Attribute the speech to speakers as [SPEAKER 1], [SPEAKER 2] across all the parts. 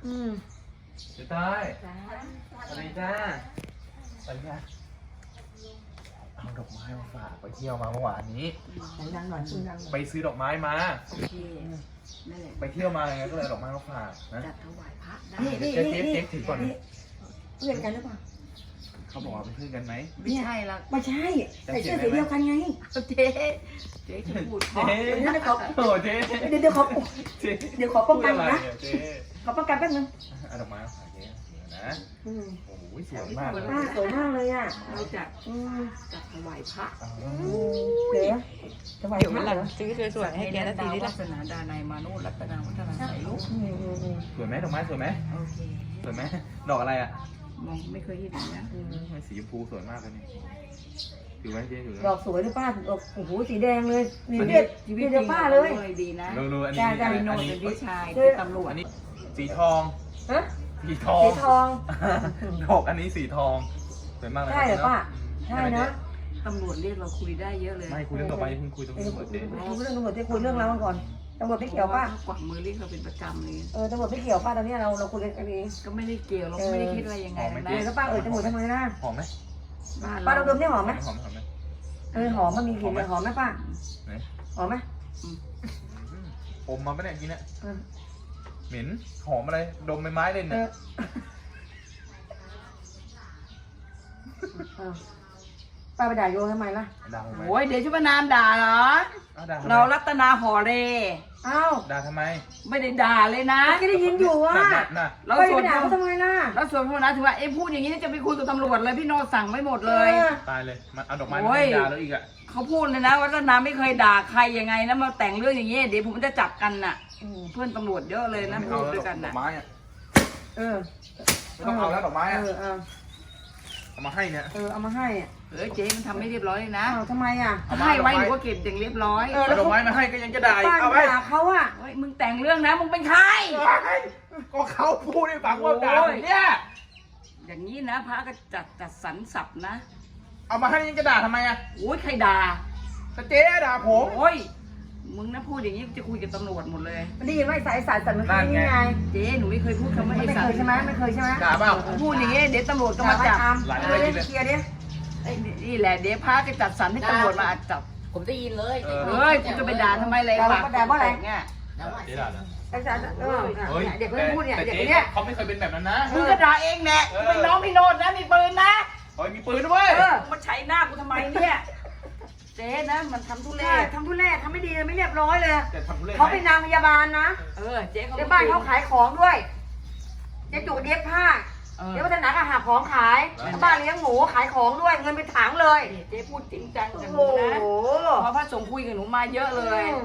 [SPEAKER 1] เจ๊ต้อยสวัสดีจ้าไปเนี่ยเอาดอกไม้มาฝากไปเที่ยวมาเมื่อวานนี้
[SPEAKER 2] ดังๆหน่อยดังๆ
[SPEAKER 1] ไปซื้อดอกไม้มา
[SPEAKER 3] โอเคนั่นแหละ
[SPEAKER 1] ไปเที่ยวมาไงก็เลยดอกไม้มาฝากนะ
[SPEAKER 3] จัดถวายพระได้
[SPEAKER 1] เจ๊ถือก่อน
[SPEAKER 2] เพื่อนกันหรือเปล่า
[SPEAKER 1] เขาบอกว่าเป็นเพื่อนกันไหม
[SPEAKER 3] ไม่ใช่ละ
[SPEAKER 2] ไม่ใช่ใส่เสื้อสีเดียวกันไง
[SPEAKER 3] เจ๊จะพูดเพราะ
[SPEAKER 1] เจ๊โอ้เจ๊
[SPEAKER 2] เดี๋ยวขอป้องกันนะ
[SPEAKER 1] เจ๊
[SPEAKER 2] ขอป้องกันแป๊บนึง
[SPEAKER 1] เอาดอกไม้มาฝากเจ๊นะโอ้ยสวยมากเลย
[SPEAKER 2] สวยมากเลยอ่ะ
[SPEAKER 3] เราจัดถวายพระ
[SPEAKER 2] เดี๋ยวจะไหว
[SPEAKER 4] เดี๋ยว
[SPEAKER 2] มา
[SPEAKER 4] วัน
[SPEAKER 2] ก
[SPEAKER 4] หลัง
[SPEAKER 2] เหรอ
[SPEAKER 4] ซื้อสวยๆให้แกนะทีนี้
[SPEAKER 3] วั
[SPEAKER 4] ละ
[SPEAKER 3] ฒนาดานายมาโนรัตนาวัฒนาใส่ลูก
[SPEAKER 1] สวยไหมดอกไม้สวยไหม
[SPEAKER 3] โอเค
[SPEAKER 1] สวยไหมดอกอะไรอ่ะ
[SPEAKER 3] มองไม่เคยเห็นนะ
[SPEAKER 1] สีชมพูสวยมากเลยนี่ถือไว้เจ๊ถือ
[SPEAKER 2] ดอกสวยด้วยป้าโอ้โหสีแดงเลยนี่เด็ดเดี๋ยวป้าเลย
[SPEAKER 3] ดีนะ
[SPEAKER 1] ดูอัน
[SPEAKER 3] พี่โน
[SPEAKER 1] นี้
[SPEAKER 3] เป็นพี่ชายเป็นตำรวจ
[SPEAKER 1] อันนี้สีทอง
[SPEAKER 2] ฮะ
[SPEAKER 1] สีทอง
[SPEAKER 2] สีทอง
[SPEAKER 1] ดอกอันนี้สีทองสวยมากเลย
[SPEAKER 2] ใช่เหรอป้าใช่นะ
[SPEAKER 3] ตำรวจเรียกเราคุยได้เยอะเลย
[SPEAKER 1] ไม่คุยเรื่องต่อไปเพิ่งคุยตรงนี้หมดเจ๊
[SPEAKER 2] คุยเรื่องตำรวจจะคุยเรื่องเราก่อนตำรวจไม่เกี่ยวป้าก
[SPEAKER 3] วักมือเรียกเราเป็นประจำเลย
[SPEAKER 2] ตำรวจไม่เกี่ยวป้าตอนนี้เราคุยกันเอง
[SPEAKER 3] ก็ไม่ได้เกี่ยวเราไม่ได้คิดอะไรยังไงนะ
[SPEAKER 2] แล้วป้าจมูกทำไมนะ
[SPEAKER 1] หอมไหม
[SPEAKER 2] ป้าเราดมได้หอมไหม
[SPEAKER 1] หอมไหม
[SPEAKER 2] หอมมันมีกลิ่นหอมไหมป้า
[SPEAKER 1] ไหน
[SPEAKER 2] หอมไหม
[SPEAKER 1] อมมาปะเนี่ยกินเนี่ยเหม็นหอมอะไรดมใบไม้เลยเนี่ย
[SPEAKER 2] ป้าไปด่าโยทำไมล่ะ
[SPEAKER 1] ด่าทำไม
[SPEAKER 3] โอ้ยเดี๋ยวชุบนามด่าเหรอ
[SPEAKER 1] ด่าทำไม
[SPEAKER 3] เรารัตนาหอเร
[SPEAKER 2] อ้าว
[SPEAKER 1] ด่าทำไม
[SPEAKER 3] ไม่ได้ด่าเลยนะ
[SPEAKER 2] ก็ได้ยินอยู่ว่า
[SPEAKER 1] น่ะ
[SPEAKER 3] เรา
[SPEAKER 2] ไป
[SPEAKER 3] ส่วน
[SPEAKER 2] ด่าเขาทำไมล่ะ
[SPEAKER 3] เราส่วนพวกนั้นถือว่าพูดอย่างนี้จะไปคุยกับตำรวจเลยพี่โนสั่งไม่หมดเลย
[SPEAKER 1] ตายเลยมันเอาดอกไม้มาด่าแล้วอีกอ่ะ
[SPEAKER 3] เขาพูดเลยนะว่ารัตนาไม่เคยด่าใครยังไงนะมาแต่งเรื่องอย่างนี้เดี๋ยวผมจะจับกันน่ะเพื่อนตำรวจเยอะเลยนะพูดด้วยกัน
[SPEAKER 1] ดอ
[SPEAKER 3] น่ะ
[SPEAKER 1] กไม้อ่ะ
[SPEAKER 2] ไม่
[SPEAKER 1] ต้องเอาแล้วดอกไม้อ่ะ
[SPEAKER 2] เอา
[SPEAKER 1] มาให้เนี่ย
[SPEAKER 2] เอามาให้
[SPEAKER 3] เจ๊มันทำไม่เรียบร้อยเลยนะ
[SPEAKER 2] ทำไมอ่ะ
[SPEAKER 3] ให้ไว้หนูก็เก็บอย่างเรียบร้อย
[SPEAKER 1] เอาดอกไม้มาให้ก็ยังจะด่าอีก
[SPEAKER 2] ป้า
[SPEAKER 1] เอาไว้
[SPEAKER 2] ด่าเขาอ่ะ
[SPEAKER 3] เฮ้ยมึงแต่งเรื่องนะมึงเป็นใคร
[SPEAKER 1] ก็เขาพูดให้ฟังว่าด่าผมเนี่ย
[SPEAKER 3] อย่างนี้นะพระก็จัดสรรศัพท์นะ
[SPEAKER 1] เอามาให้ยังจะด่าทำไมอ่ะ
[SPEAKER 3] โอ้ยใครด่า
[SPEAKER 1] แต่เจ๊ด่าผม
[SPEAKER 3] โอ้ยมึงนะพูดอย่างนี้จะคุยกับตำรวจหมดเลย
[SPEAKER 2] ได้ยินว่าสายสันมันคือนี่ไง
[SPEAKER 3] เจ๊หนูไม่เคยพูดคำว่า
[SPEAKER 2] ไม่
[SPEAKER 3] ไอ้
[SPEAKER 2] เค
[SPEAKER 3] สัต
[SPEAKER 2] ย
[SPEAKER 3] ว์
[SPEAKER 2] ใช่ไหมไม่เคยใช่ไหม
[SPEAKER 1] ด่าเปล่า
[SPEAKER 3] พูดอย่างนี้เดี๋ยวตำรวจก็มาจับ
[SPEAKER 2] เคลียร์ดิ
[SPEAKER 3] ไอ้นี่แหละเดี๋ยวพระจะจัดสรรให้ตำรวจมาจับ
[SPEAKER 4] ผมได้ยินเลย
[SPEAKER 3] เฮ้ยกูจะไปด่าทำไมเลยปากเนี่ย
[SPEAKER 1] เจ๊ด่าเหรอ
[SPEAKER 2] เด็กคนพูดเนี่ยเด็กคนเนี้ย
[SPEAKER 1] เขาไม่เคยเป็นแบบนั้นนะ
[SPEAKER 3] มึงก็ด่าเองแน่กูเป็นน้องพี่โนดนะมีปืนนะ
[SPEAKER 1] เฮ้ยมีปืนด้วย
[SPEAKER 3] มาใช้หน้ากูทำไมเนี่ยเจ๊นะมันทำทุเรศ
[SPEAKER 2] ทำทุเรศทำไม่ดีไม่เรียบร้อยเลย
[SPEAKER 1] แต่ทำทุเรศ
[SPEAKER 2] เขาเป็นนางพยาบาลนะ
[SPEAKER 3] เจ๊เขา
[SPEAKER 2] ในบ้านเขาขายของด้วยเจ๊จุเย็บผ้าเดี๋ยววัฒนาก็หาของขายบ้านเลี้ยงหมูขายของด้วยเงินเป็นถังเลย
[SPEAKER 3] เจ๊พูดจริงจังกับห
[SPEAKER 2] โอ้
[SPEAKER 3] นู
[SPEAKER 2] โห
[SPEAKER 3] นะเพราะพระสงฆ์คุยกับหนูมาเยอะเลย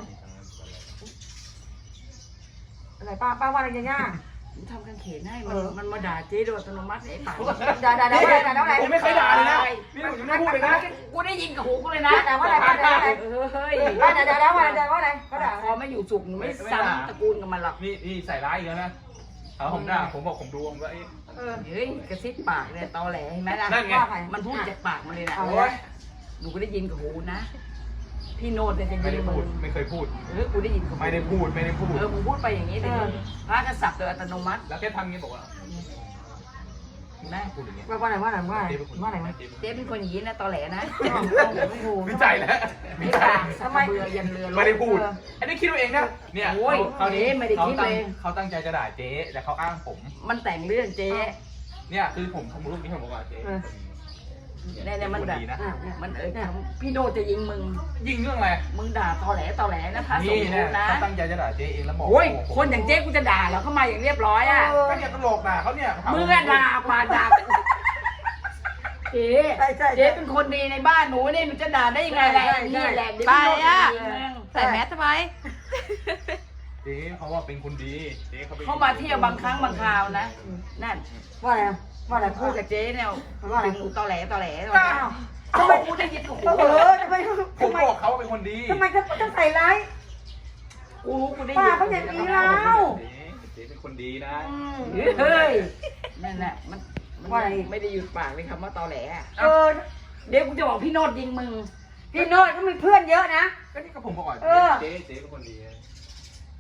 [SPEAKER 2] อะไรป้าว่าอะไรย่า
[SPEAKER 3] หนูทำกางเขนให้มันมาด่าเจ๊โดยอัตโนมัติไอ้ปาก
[SPEAKER 2] ด่าอะไร
[SPEAKER 1] ผมไม่เคยด่าเลยนะนี่ผมยังไม่พูดเลยนะ
[SPEAKER 3] กูได้ยินกับหูกูเลยนะ
[SPEAKER 2] ด่าว่าอะไรด่าอะไร
[SPEAKER 3] เฮ้ย
[SPEAKER 2] ด่าว่าอะไรเขาด่า
[SPEAKER 3] พอไม่อยู่สุขหนูไม่ซ้ำตระกูลกับมันหรอก
[SPEAKER 1] นี่ใส่ร้ายอีกแล้วนะเอาผมด่าผมบอกผมดูผมก็ไอ้
[SPEAKER 3] เฮ้ยกระซิบปากเลยตอแหลเห็นไหมล่ะ
[SPEAKER 1] นั่นไง
[SPEAKER 3] มันพูดจากปากมันเลยนะ
[SPEAKER 2] โอ้
[SPEAKER 3] โอ้
[SPEAKER 2] ย
[SPEAKER 3] ยหนูก็ได้ยินกับหูนะพี่โนดเนี่ยจะ
[SPEAKER 1] ไม่
[SPEAKER 3] ยิ
[SPEAKER 1] ได้
[SPEAKER 3] น
[SPEAKER 1] พู
[SPEAKER 3] มึ
[SPEAKER 1] ด
[SPEAKER 3] ง
[SPEAKER 1] ไม่เคยพูด
[SPEAKER 3] กูได้ยินกับหู
[SPEAKER 1] ไม่ได้พูดไม่ได้พูด
[SPEAKER 3] มึงพูดไปอย่างนี้แต่พระกษัตริย์โดยอัตโนมัติ
[SPEAKER 1] แล้วแค่ทำงี้บอกว่า
[SPEAKER 3] นะ
[SPEAKER 1] พูดอย่างเงี้ย
[SPEAKER 2] ว่าอะไร
[SPEAKER 3] เจ๊เป็นคนอย่างนี้นะตอแหลนะ
[SPEAKER 1] วิจัยแล้ววิจัย
[SPEAKER 3] ทำไมเบื่อยันเรือ
[SPEAKER 1] ไม่ได้พูดอันนี้คิดเอาเองนะเนี่ย
[SPEAKER 3] โอ้ยเขาไม่ได้คิดเลย
[SPEAKER 1] เขาตั้งใจจะด่าเจ๊แต่เขาอ้างผม
[SPEAKER 3] มันแต่งเรื่องเจ๊
[SPEAKER 1] เนี่ยคือผมรูปนี้ผมบอกว่าเจ๊
[SPEAKER 3] เนี่ยมันด่า
[SPEAKER 1] ดีนะ
[SPEAKER 3] มันพี่โนดจะยิงมึง
[SPEAKER 1] ยิงเรื่องอะไร
[SPEAKER 3] มึงด่าตอแหลนะพระสง
[SPEAKER 1] นี่
[SPEAKER 3] ฆ์
[SPEAKER 1] เนี่ย
[SPEAKER 3] นะ
[SPEAKER 1] เขาตั้งใจจะด่าเจ๊เองแล้วบอก
[SPEAKER 3] โอ้ยคนอย่างเจ๊กูจะด่าเหรอเข้ามาอย่างเรียบร้อยอ่ะ
[SPEAKER 1] ก็เนี่ยตลกด่าเขาเนี่ย
[SPEAKER 3] มึงอะด่ามาด่าเจ๊เจ๊เป็นคนดีในบ้านหนูนี่หนูจะด่าได้ยังไงแหละนี่แหละ
[SPEAKER 4] ไปอ่ะใส่แมสทำไม
[SPEAKER 1] เจ๊เขาว่าเป็นคนดีเจ๊เขาเป็น
[SPEAKER 3] เขามาเที่ยวบางครั้งบางคราวนะนั่น
[SPEAKER 2] ว่าอะไร
[SPEAKER 3] พูดกับเจ๊เนี่ยเป็นตอแหล
[SPEAKER 2] ทำไม
[SPEAKER 3] พูดได้ยินกับหู
[SPEAKER 2] ทำไม
[SPEAKER 1] ผมบอกเขาเป็นคนดี
[SPEAKER 2] ทำไมจะใส่ร้าย
[SPEAKER 3] กูได้
[SPEAKER 2] ป้า
[SPEAKER 3] ยิน
[SPEAKER 2] เขาอย่างนี้แล้ว
[SPEAKER 1] เจ๊เป็นคนดีนะ
[SPEAKER 3] เฮ้ยนั่นแหละมันไม่ได้หยุดปากเลยคำว่าตอแหลเดี๋ยวกูจะบอกพี่โนดยิงมึง
[SPEAKER 2] พี่โน้ตก็มีเพื่อนเยอะนะ
[SPEAKER 1] ก็นี่ก็ผมบอกว่าเจ๊เป็นคนดี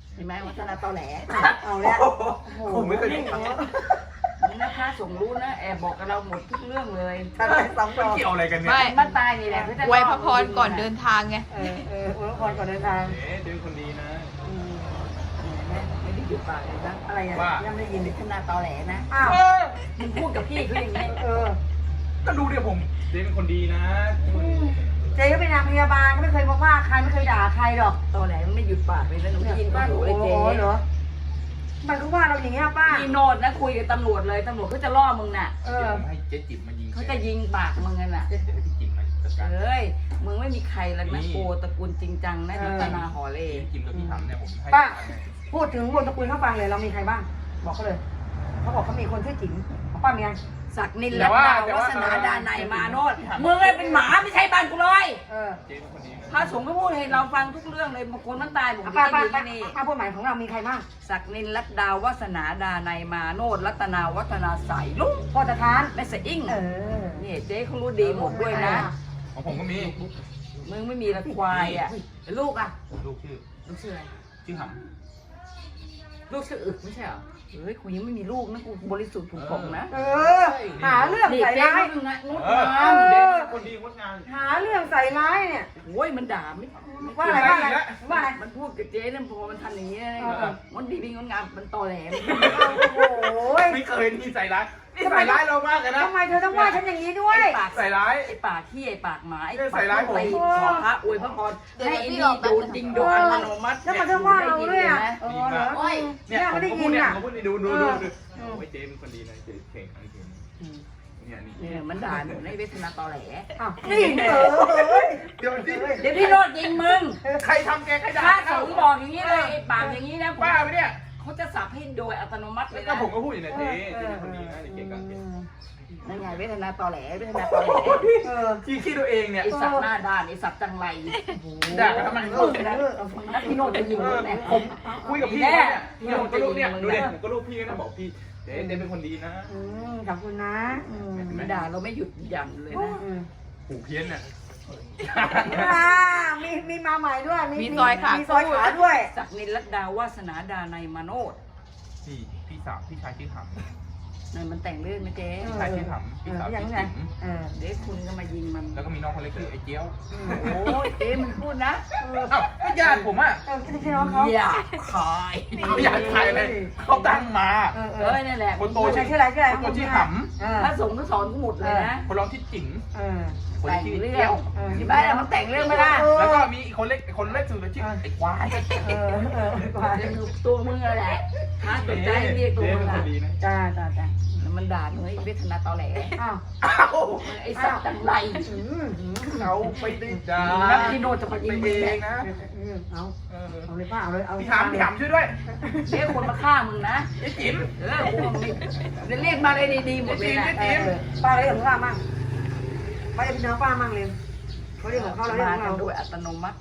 [SPEAKER 3] เห็นไหมวัฒนาตอแหล
[SPEAKER 2] เอาแล้วโอ้โห
[SPEAKER 1] ผมไม่เคยได้ฟัง
[SPEAKER 3] มึงนะพระสงฆ์รู้นะแอบบอกกับเราหมดทุกเรื่องเลย
[SPEAKER 2] ท่านไปสองด
[SPEAKER 1] มัน
[SPEAKER 2] อก
[SPEAKER 1] เกี่ยวอะไรกันเนี่ย
[SPEAKER 4] ไม่
[SPEAKER 3] บ้านตายนี่แหละเขาจะ
[SPEAKER 4] อวยพระพรก่อนเดินทางไง
[SPEAKER 2] อวยพรก่อนเดินทาง
[SPEAKER 1] เจ๊เป็นคนดีนะ
[SPEAKER 3] ไม่ได้หยุดปากเลยนะ
[SPEAKER 2] อะไรอ่ะ
[SPEAKER 1] ว่า
[SPEAKER 2] ยังไม่ได้ยินเลย
[SPEAKER 3] วัฒนาตอแหลนะ
[SPEAKER 2] อ้าว
[SPEAKER 3] มึงพูดกับพี่เขาอย่างนี้
[SPEAKER 1] ก็ดูเดี๋ยวผมเจ๊เป็นคนดีนะ
[SPEAKER 2] เจ๊ก็เป็นนางพยาบาลก็ไม่เคยมาว่าใครไม่เคยด่าใครหรอก
[SPEAKER 3] ตอแหลมันไม่หยุดปากเลยนะหนูได้ยินป้าหูเลยเจ๊
[SPEAKER 2] เหรอมันก็ว่าเราอย่างเงี้ยป้า
[SPEAKER 3] พี่โนดนะคุยกับตำรวจเลยตำรวจเขาจะล่อมึงน่ะ
[SPEAKER 2] เอ
[SPEAKER 1] เดี๋ยว
[SPEAKER 2] อ
[SPEAKER 1] ผมให้เจ๊จิ๋มมายิง
[SPEAKER 3] เขาจะยิงปากมึงกันน่ะ
[SPEAKER 1] เดี๋ยวให้พี่จิ๋มมาจัดการ
[SPEAKER 3] เอ้ยมึงไม่มีใครแล้ว
[SPEAKER 1] นี่
[SPEAKER 3] นะโกตระกูลจริงจังนะรัตนาหอเล
[SPEAKER 1] เจ๊จิ๋มกับพี่ทำเนี่ยผมให้
[SPEAKER 2] ป้า พูดถึงวงตระกูลเขาฟังเลยเรามีใครบ้าง บอกเขาเลยเขาบอกเขามีคนชื่อจิ๋มของป้ามีไง
[SPEAKER 3] ศักดิ์นินรัตดาวัฒนาดานายมาโนดมึงไอ้เป็นหมาไม่ใช่บ้านกูเลย
[SPEAKER 1] เจ๊เป็นคนดีนะ
[SPEAKER 3] พระสงฆ์ก็พูดให้เราฟังทุกเรื่องเลยบางคนมันตายบอก
[SPEAKER 2] ป้า
[SPEAKER 3] ไม่
[SPEAKER 2] ป้า
[SPEAKER 3] ดี
[SPEAKER 2] ป้า
[SPEAKER 3] ที่นี่
[SPEAKER 2] ป้าพูดหมายของเรามีใครบ้าง
[SPEAKER 3] ศักดิ์นินรัตดาวัฒนาดานายมาโนดรัตนาวัฒนาใสลุง
[SPEAKER 2] พ่อจะทาน
[SPEAKER 3] แม่สะอิ่ง
[SPEAKER 2] อ
[SPEAKER 3] นี่เจ๊เขารู้ดีหมดด้วยนะ
[SPEAKER 1] ของผมก็มี
[SPEAKER 3] มึงไม่มีละควายอ่ะลูกอ่ะ
[SPEAKER 1] ลูกชื่อ
[SPEAKER 3] ลูกชื่ออะไร
[SPEAKER 1] ชื่อห
[SPEAKER 3] ลูกชื่ออึกไม่ใช่เหรอเฮ้ยกูยังไม่มีลูกนะกูบริสุทธิ์ผุผ่องนะ
[SPEAKER 2] หาเรื่อง
[SPEAKER 3] นี่
[SPEAKER 2] ใส่
[SPEAKER 3] เจ๊
[SPEAKER 2] ร้าย
[SPEAKER 3] มึงนะงด
[SPEAKER 1] ำเออง
[SPEAKER 3] าม
[SPEAKER 1] เจ๊เป็นคนดีงดงาม
[SPEAKER 2] หาเรื่องใส่ร้ายเนี่ย
[SPEAKER 3] โอ้ยมันด่าไม่
[SPEAKER 2] ว่าอะไรว่าอะไรว่าอะไร
[SPEAKER 3] มันพูดกับเจ๊เนี่ยพอมันทำอย่างนี้นะ
[SPEAKER 2] เออ
[SPEAKER 3] มันดีเป็นงดงามมันตอแหลม
[SPEAKER 2] โอ้โห
[SPEAKER 1] ไม่เคยนี่ใส่ร้ายนี่ใส่ร้ายเรามากเลยนะ
[SPEAKER 2] ทำไมเธอต้องว่าฉันอย่างนี้ด้วย
[SPEAKER 3] ไอ้ปาก
[SPEAKER 1] ใส่ร้าย
[SPEAKER 3] ไอ้ปากขี้ไอ้ปากหมาไอ้
[SPEAKER 1] ใส่ร้ายผม
[SPEAKER 3] ตีขอพระอวยพระพรให้ไอ้นี่โดนจริงโดนอัตโนมัติ
[SPEAKER 2] แล้วมันต้องว่าเราด้วยอ่ะเหรอ
[SPEAKER 1] เนี่ย
[SPEAKER 2] เนี่ย
[SPEAKER 1] ผ
[SPEAKER 2] ไม่
[SPEAKER 1] ม
[SPEAKER 2] ได้
[SPEAKER 1] ก็
[SPEAKER 2] ยิ
[SPEAKER 1] พูด
[SPEAKER 2] น
[SPEAKER 1] เนี่ย
[SPEAKER 2] อ่ะ
[SPEAKER 1] ผมก็พูดนี่ดูโอ้ยเจ๊เป็นคนดีนะเจ๊เก่งอะไรเก่งเนี่ยนี่
[SPEAKER 3] เนี่ยมันด่าหนูในเวทนาตอแหล
[SPEAKER 2] อ้าวนี่ย
[SPEAKER 1] เดี๋ยวดิ
[SPEAKER 3] เดี๋ยวพี่โรดยิงมึง
[SPEAKER 1] ใครทำแกใครด่า
[SPEAKER 3] ถ้าสงฆ์บอกอย่างนี้เลยไอ้ปากอย่างนี้นะ
[SPEAKER 1] บ้าไปเนี่ย
[SPEAKER 3] เขาจะสับให้โดยอัตโนมัติเล
[SPEAKER 1] แล้ว
[SPEAKER 3] ย
[SPEAKER 1] ก็
[SPEAKER 3] นะ
[SPEAKER 1] ผมก็พูดอยู่เนี่ยเจ๊เจ๊เป็นคนดีนะเก่งกันเก่ง
[SPEAKER 3] นั่นไงเวทนาตอแหลเวทนาตอแหล
[SPEAKER 1] ที่คิดตัวเองเนี่ย
[SPEAKER 3] ไอสัตว์หน้าด้านไอสัตว์จังไร
[SPEAKER 1] ด่ากันทำไม
[SPEAKER 3] นักพี่โนดจะยิงมึงแน่
[SPEAKER 1] ผมคุยกับพี่เนี่ยผมก็รู้เนี่ยดูเด็ผมก็รู้พี่นะบอกพี่เจ๊เป็นคนดีนะ
[SPEAKER 2] ขอบคุณนะ
[SPEAKER 3] มันด่าเราไม่หยุดหยั้งเลยนะ
[SPEAKER 1] หูเพี้ยนเนี่ย
[SPEAKER 2] มีมาใหม่ด้วย
[SPEAKER 4] มีซอยขา
[SPEAKER 2] มีซอยขาด้วย
[SPEAKER 3] ศักดิ์นินรัตดาวาสนาดานายมาโนด
[SPEAKER 1] พี่สาวพี่ชายชื่อหำ
[SPEAKER 3] นั่นมันแต่งเรื่องนะเจ๊
[SPEAKER 1] พี่ชายชื่อหำพี่สาวชื่อจิ๋ม
[SPEAKER 3] เด็กคุณก็มายิงมัน
[SPEAKER 1] แล้วก็มีน้องคนเล็กชื่อไอ้เจี๊ยว
[SPEAKER 3] โอ้ยเจ๊มันพูดนะ
[SPEAKER 1] อ้าวก็ญาติผมอ่ะ
[SPEAKER 2] ไม่ใช่น้องเขา
[SPEAKER 3] อย่าขาย
[SPEAKER 1] เขาอยากใครเลยเขาตั้งมา
[SPEAKER 3] เอ้ยนั่นแหละ
[SPEAKER 1] คนโต
[SPEAKER 2] ชื่
[SPEAKER 1] ชื่
[SPEAKER 2] อ
[SPEAKER 1] อ
[SPEAKER 2] อะไรชื่ออะไร
[SPEAKER 1] คนโตชื่อห
[SPEAKER 3] พระสงฆ์ก็สอนกูหมดเลยนะ
[SPEAKER 1] ำคนร้องชื่อจิ๋งคน
[SPEAKER 3] แต่ง
[SPEAKER 1] ชื่อ
[SPEAKER 3] เรื่
[SPEAKER 1] เจี๊
[SPEAKER 3] อย ง
[SPEAKER 1] ว
[SPEAKER 3] ที่บ้านมันแต่งเรื่องไม่ได้
[SPEAKER 1] แล้วก็มีอีกคนเล็กคนเล็กสุดเลยชื่อไอ้ควาย
[SPEAKER 3] ตัวมึงอะไรพระตกใจเรียกตัว
[SPEAKER 1] เจ๊
[SPEAKER 3] มึ
[SPEAKER 1] เป็น
[SPEAKER 3] ง
[SPEAKER 1] ค
[SPEAKER 3] อะ
[SPEAKER 1] นดีนะ
[SPEAKER 2] จ้าจ้าจ้า
[SPEAKER 3] มันด่าหนูไอ้เวทนาตอแหล
[SPEAKER 2] อ้าว
[SPEAKER 1] อ้าว
[SPEAKER 3] ไอ้สัตว์จังไร
[SPEAKER 1] เขาไปได้จ้า
[SPEAKER 3] นักพี่โนจะมายิง
[SPEAKER 1] ไป
[SPEAKER 3] มึง
[SPEAKER 1] เอ
[SPEAKER 3] แน่
[SPEAKER 1] งนะ
[SPEAKER 2] เอาเอาเลยป้าเอาเลยเอา
[SPEAKER 1] พี่ถามช่วยด้วย
[SPEAKER 3] เรียกคนมาฆ่ามึงนะ
[SPEAKER 1] ไอ้จิ๋ม
[SPEAKER 3] กูไม่เรียกมาเลยดีๆหมดเลยนะ
[SPEAKER 2] ป้าเรียกของป้ามั่งป้าจะเป็นน้องป้ามั่งเลยเขาเรียกของเขาเราเรียก
[SPEAKER 3] มา
[SPEAKER 2] ของ
[SPEAKER 3] กั
[SPEAKER 2] เรา
[SPEAKER 3] นโดยอัตโนมัติ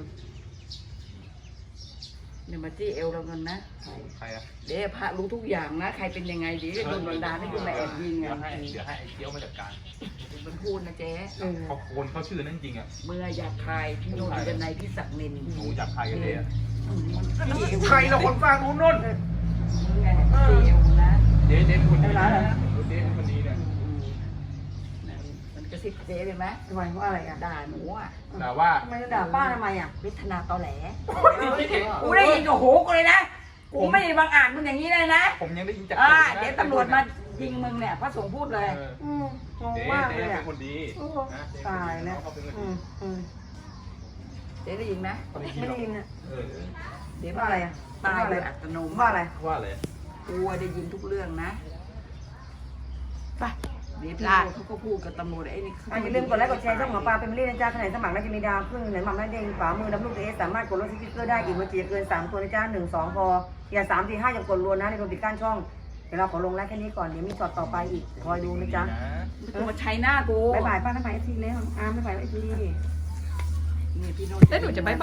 [SPEAKER 3] เนี่ยมาจี้เอวเราเงินนะ
[SPEAKER 1] ใครอะ
[SPEAKER 3] เดี๋ยวพระรู้ทุกอย่างนะ ใครเป็นยังไงเดี๋ยวโดนบันดาลให้กูมาแอบยิง
[SPEAKER 1] เดี๋ยว
[SPEAKER 3] อ่ะ
[SPEAKER 1] ให้ไอ้เจี๊ยวมาจัดการ
[SPEAKER 3] มันพูดนะเจ๊
[SPEAKER 1] เขาโคนเขาชื่อนั่นจริงอ่ะ
[SPEAKER 3] เมื่ออยากคายพี่โนนจะในพี่ศักดิ์นิน
[SPEAKER 1] หนูจับใครกันเลยอ่ะ
[SPEAKER 3] จี้เอว
[SPEAKER 1] ใครเราคนฟังนู้นนู่น
[SPEAKER 3] มึงไงจี้เอวนะ
[SPEAKER 1] เจ๊เป็นคนดีนะเจ๊เป็นคนดีเนี่ย
[SPEAKER 3] มันกระซิบเจ๊เลยไหม
[SPEAKER 2] ทำไมเพราะอะไรอ่ะ
[SPEAKER 3] ด่าหนูอ่ะ
[SPEAKER 1] แต่ว่า
[SPEAKER 2] ทำไมด่าป้าทำไมอ่ะ
[SPEAKER 3] เวทนาตอแหลกูได้ยินกับหูกูเลยนะกูไม่ได้บังอาจมึงอย่างนี้เลยนะ
[SPEAKER 1] ผมยังได้ยินจาก
[SPEAKER 3] เดี๋ยวตำรวจมายิงมึงเนี่ยพระสงฆ์พูดเลย
[SPEAKER 2] งง
[SPEAKER 1] เจ๊
[SPEAKER 2] มาก
[SPEAKER 1] เจ๊
[SPEAKER 2] เลย
[SPEAKER 1] เป็
[SPEAKER 2] อ่ะ
[SPEAKER 1] นคนดี
[SPEAKER 2] ตายแล้ว
[SPEAKER 1] เขาเป็นคน
[SPEAKER 2] อื
[SPEAKER 1] ดี
[SPEAKER 2] ม
[SPEAKER 3] เจ๊ได้ยินไหม
[SPEAKER 2] ไม่ได้ยินอ่ะ
[SPEAKER 3] เดี๋ยว
[SPEAKER 2] ว่าอะไรอ่ะ
[SPEAKER 3] ตายโดยอัตโนมั
[SPEAKER 2] ว่า
[SPEAKER 3] ติ
[SPEAKER 2] อะไร
[SPEAKER 1] ว่าอะไร
[SPEAKER 3] กูได้ยินทุกเรื่องนะ
[SPEAKER 4] ไป
[SPEAKER 3] เดี๋ยวพี่โนเขาก็พูดกับตำรวจไอ้นี่
[SPEAKER 2] อย่าลืมกดไลค์กดแชร์ช่องหมอปลาเป็นมิลลี่นะจ๊ะขณะสมัครน่าจะมีดาวขึ้นไหนหม่ำได้เด้งฝามือน้ำลูกเอสสามารถกดลดสติ๊กเกอร์ได้อีกเมื่อกี้เกิน3ตัวนะจ๊ะ1 2พออย่า3 4 5อย่ากดรวนนะในรวมปิดกั้นช่องเดี๋ยวเราขอลงไลค์แค่นี้ก่อนเดี๋ยวมีช็อตต่อไปอีกคอยดูนะจ๊ะ
[SPEAKER 3] ไม่ต้องมาใช้หน้ากู
[SPEAKER 2] บ๊ายบายป้าบ๊ายบายเอฟซีแล้วอาบ๊ายบายเอฟซี
[SPEAKER 3] นี่พี่โน
[SPEAKER 4] แล้วหนูจะไป